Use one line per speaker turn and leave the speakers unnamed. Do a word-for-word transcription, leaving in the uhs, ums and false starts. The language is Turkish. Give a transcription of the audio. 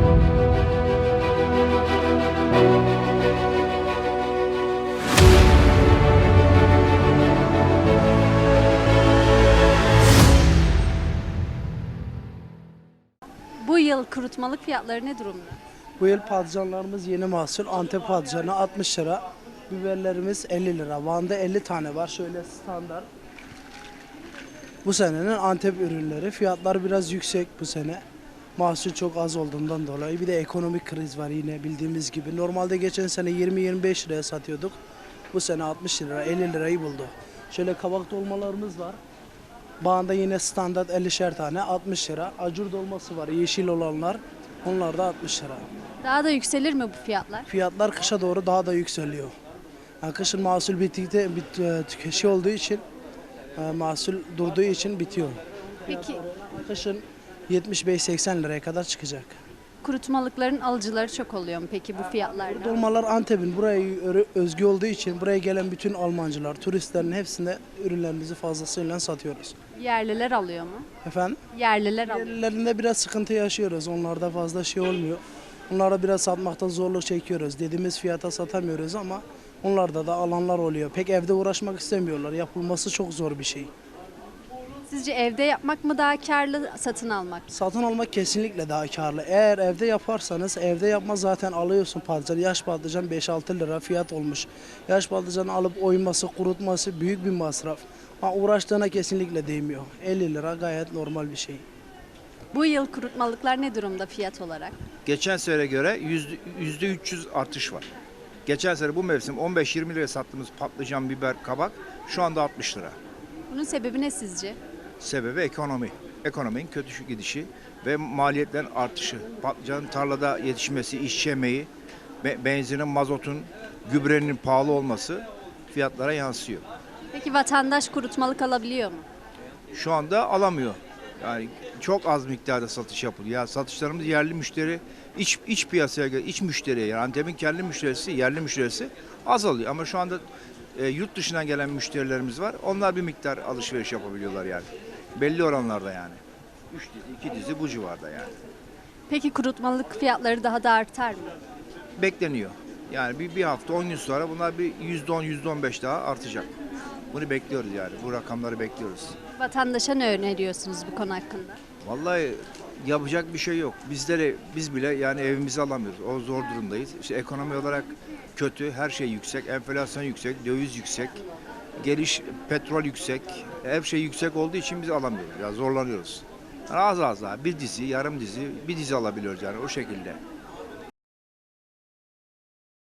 Bu yıl kurutmalık fiyatları ne durumda?
Bu yıl patlıcanlarımız yeni mahsul. Antep patlıcanı altmış lira. Biberlerimiz elli lira. Van'da elli tane var. Şöyle standart. Bu senenin Antep ürünleri. Fiyatlar biraz yüksek bu sene. Mahsul çok az olduğundan dolayı. Bir de ekonomik kriz var yine bildiğimiz gibi. Normalde geçen sene yirmi yirmi beş liraya satıyorduk. Bu sene altmış lira, elli lirayı buldu. Şöyle kabak dolmalarımız var. Bağında yine standart ellişer tane altmış lira. Acur dolması var yeşil olanlar. Onlar da altmış lira.
Daha da yükselir mi bu fiyatlar?
Fiyatlar kışa doğru daha da yükseliyor. Yani kışın mahsul bittikte bit, e, tükeşi olduğu için e, mahsul durduğu için bitiyor.
Peki
Kışın yetmiş beş seksen liraya kadar çıkacak.
kurutmalıkların alıcıları çok oluyor mu peki bu fiyatlarda?
Dolmalar Antep'in buraya ö- özgü olduğu için buraya gelen bütün Almancılar, turistlerin hepsinde ürünlerimizi fazlasıyla satıyoruz.
Yerliler alıyor mu?
Efendim?
Yerliler alıyor.
Yerlilerinde biraz sıkıntı yaşıyoruz. Onlarda fazla şey olmuyor. Onlara biraz satmakta zorluk çekiyoruz. Dediğimiz fiyata satamıyoruz ama onlarda da alanlar oluyor. Pek evde uğraşmak istemiyorlar. Yapılması çok zor bir şey.
Sizce evde yapmak mı daha karlı, satın almak mı?
Satın almak kesinlikle daha karlı. Eğer evde yaparsanız, evde yapma zaten alıyorsun patlıcan. Yaş patlıcan beş altı lira fiyat olmuş. Yaş patlıcanı alıp oyması, kurutması büyük bir masraf. Ama uğraştığına kesinlikle değmiyor. elli lira gayet normal bir şey.
Bu yıl kurutmalıklar ne durumda fiyat olarak?
Geçen sene göre yüzde yüzde üç yüz artış var. Geçen sene bu mevsim on beş yirmi liraya sattığımız patlıcan, biber, kabak şu anda altmış lira.
Bunun sebebi ne sizce?
Sebebi ekonomi. Ekonominin kötü gidişi ve maliyetlerin artışı. Patlıcanın tarlada yetişmesi, işçi emeği, be- benzinin, mazotun, gübrenin pahalı olması fiyatlara yansıyor.
Peki vatandaş kurutmalık alabiliyor mu?
Şu anda alamıyor. Yani çok az miktarda satış yapılıyor. Ya satışlarımız yerli müşteri, iç iç piyasaya göre, iç müşteriye yani Antep'in kendi müşterisi, yerli müşterisi azalıyor. Ama şu anda e, yurt dışından gelen müşterilerimiz var. Onlar bir miktar alışveriş yapabiliyorlar yani. Belli oranlarda yani. Üç dizi, iki dizi bu civarda yani.
Peki kurutmalık fiyatları daha da artar mı?
Bekleniyor. Yani bir, bir hafta on gün sonra bunlar bir yüzde on, yüzde on beş daha artacak. Bunu bekliyoruz yani. Bu rakamları bekliyoruz.
Vatandaşa ne öneriyorsunuz bu konu hakkında?
Vallahi yapacak bir şey yok. Bizleri biz bile yani evimizi alamıyoruz. O zor durumdayız. İşte ekonomi olarak kötü, her şey yüksek, enflasyon yüksek, döviz yüksek, geliş petrol yüksek. Her şey yüksek olduğu için biz alamıyoruz. Ya zorlanıyoruz. Yani az az daha bir dizi, yarım dizi, bir dizi alabiliyoruz yani o şekilde.